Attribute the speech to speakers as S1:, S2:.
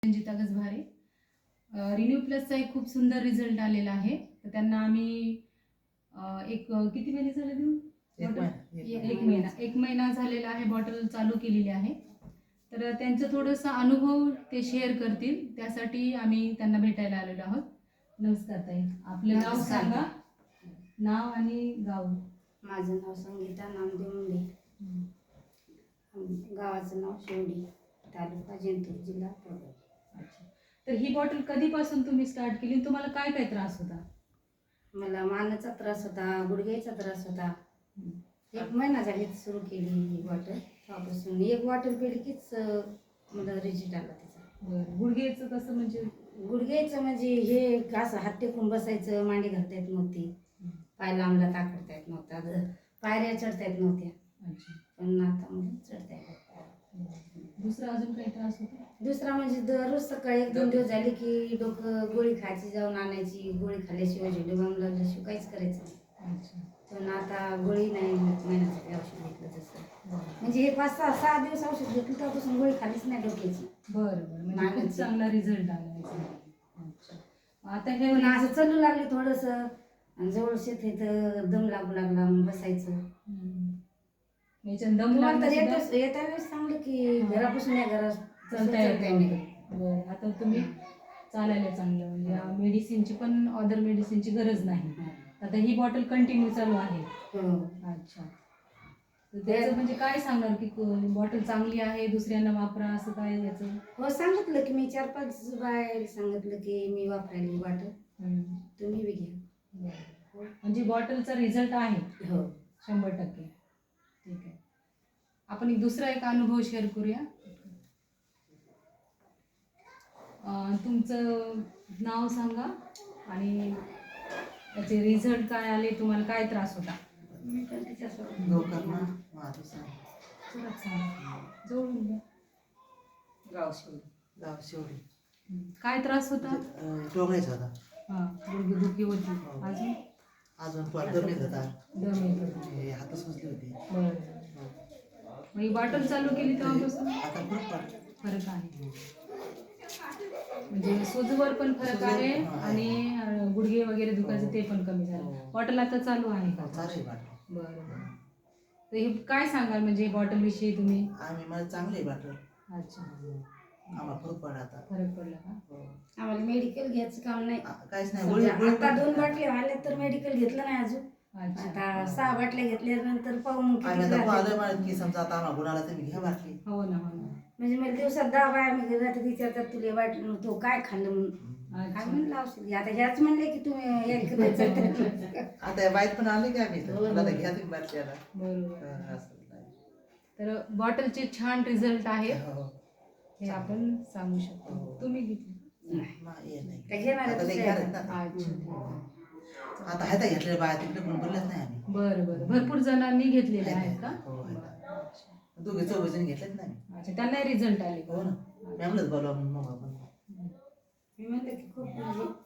S1: Ranjita गजभारे. Renew प्लसचा एक खूप सुंदर रिझल्ट आलेला आहे. तर त्यांना आम्ही किती महिने झाले देऊन एक महिना झालेला आहे, बॉटल चालू केलेली आहे. तर त्यांचं थोडंसं अनुभव ते शेअर करतील, त्यासाठी आम्ही त्यांना भेटायला आलेलो आहोत. नमस्कार ताई, आपलं नाव सांगा. नाव आणि गाव.
S2: माझं नाव संगीता नामदेव मुंडे, गावाचं नाव शेवडी, तालुका जिंतूर, जिल्हा परभणी.
S1: अच्छा, तर ही बॉटल कधीपासून तुम्ही स्टार्ट केली? तुम्हाला काय काय त्रास होता?
S2: मला मानेचा त्रास होता, गुडघ्याचा त्रास होता. 1 महिना झाली सुरू केली ही बॉटल. तेव्हापासून 1 बॉटल पिली कीच मला रिझल्ट आला त्याचा.
S1: गुडघ्याचं कसं म्हणजे?
S2: गुडघ्याचं म्हणजे हे असं हात टेकून बसायचं, मांडी घालता येत नव्हती, पाय लांबला ताकडता येत नव्हता, पायऱ्या चढता येत नव्हत्या.
S1: अच्छा,
S2: पण आता म्हणजे चढता येत.
S1: दुसरा अजून काही त्रास होता?
S2: दुसरा म्हणजे दररोज सकाळी 1-2 दिवस झाले की डोकं गोळी खायची, जाऊन आणायची. गोळी खाल्ल्याशिवाय झेंडू बाम लागल्याशिवाय काहीच करायचं नाही.
S1: अच्छा,
S2: पण आता गोळी नाही, महिन्यासाठी औषध घेतलं तसं. म्हणजे हे 5-6 दिवस औषध घेतलं तेव्हापासून गोळी खालीच नाही डोक्याची.
S1: बरं बरं, म्हणजे खूप चांगला रिझल्ट आला याचा. अच्छा, आता हे
S2: पण असं चालू लागले थोडंसं, जवळ शेत आहे तर दम लागू लागला, मग बसायचं.
S1: याच्यात दम
S2: तुम्हाला तर
S1: लागला
S2: येत्या वेळेस सांगलं की घरापासून या घरात
S1: चालता येत. बरं, आता तुम्ही चालायला चांगलं, म्हणजे मेडिसिनची पण अदर मेडिसिनची गरज नाही. आता ही बॉटल कंटिन्यू चालू आहे. अच्छा, तर त्याचं म्हणजे काय सांगणार की बॉटल चांगली आहे, दुसऱ्यांना वापरा असं काय याचं?
S2: हो, सांगितलं की मी 4-5 बाय सांगितलं की मी वापरायला बॉटल, तुम्ही बी घ्या.
S1: म्हणजे बॉटलचा रिझल्ट आहे.
S2: हो,
S1: 100%. ठीक आहे, आपण दुसरा एक अनुभव शेअर करूया. तुमचं नाव सांगा आणि त्याचे रिझल्ट काय आले, तुम्हाला काय त्रास होता?
S2: मी पण त्याच्यासोबत
S1: जोडून द्या.
S2: गाव शेवडी.
S1: काय त्रास होता?
S3: डोंगराचा होता.
S1: हां, गुडघेदुखी होती.
S3: अजून दम येत होता.
S1: दम येत होता.
S3: हात सुजले होते.
S1: बरं, मग ही बॉटल चालू केली तेव्हापासून
S3: आता खूप
S1: फरक आहे. म्हणजे सुजवर पण फरक आहे आणि गुडघे वगैरे दुखायचं ते पण कमी झालं. बॉटल आता चालू आहे का?
S3: चालेल.
S1: बरं, तर हे काय सांगाल म्हणजे बॉटल विषयी तुम्ही?
S3: मला चांगली वाटलं.
S1: अच्छा,
S3: आम्हाला फरक पडला.
S1: फरक पडला का?
S2: आम्हाला मेडिकल घ्यायचं काम नाही,
S3: काहीच नाही.
S2: आता 2 बाटल्या आल्या तर मेडिकल घेतलं नाही अजून. आता 6 बाटल्या घेतल्यानंतर पाहून
S3: की समजा आता आम्हाला गुणाला तुम्ही घ्या बाटली.
S1: हो ना.
S2: म्हणजे मला दिवसात 10 बाया मी घरात विचारतात तुला वाटलं तो काय खाल्लं म्हणून. काय म्हणलं औषध घ्या. आता ह्याच म्हणले की तुम्ही
S3: आता बाईत पण आले की आम्ही घ्या तुम्ही बाटल्याला.
S1: बरोबर, तर बॉटलचे छान रिझल्ट आहे हे आपण सांगू शकतो. तुम्ही घेतली?
S3: आता ह्यात घेतलेल्या बाया तिकडे पण बोललेच नाही आम्ही.
S1: बरं, भरपूर जणांनी घेतलेले आहेत का?
S3: दोघे 4 जण घेतलेच नाही.
S1: अच्छा, त्यांनाही रिझल्ट आले.
S3: हो ना, मॅमलाच बोलवा मग आपण.
S2: मी म्हणते की खूप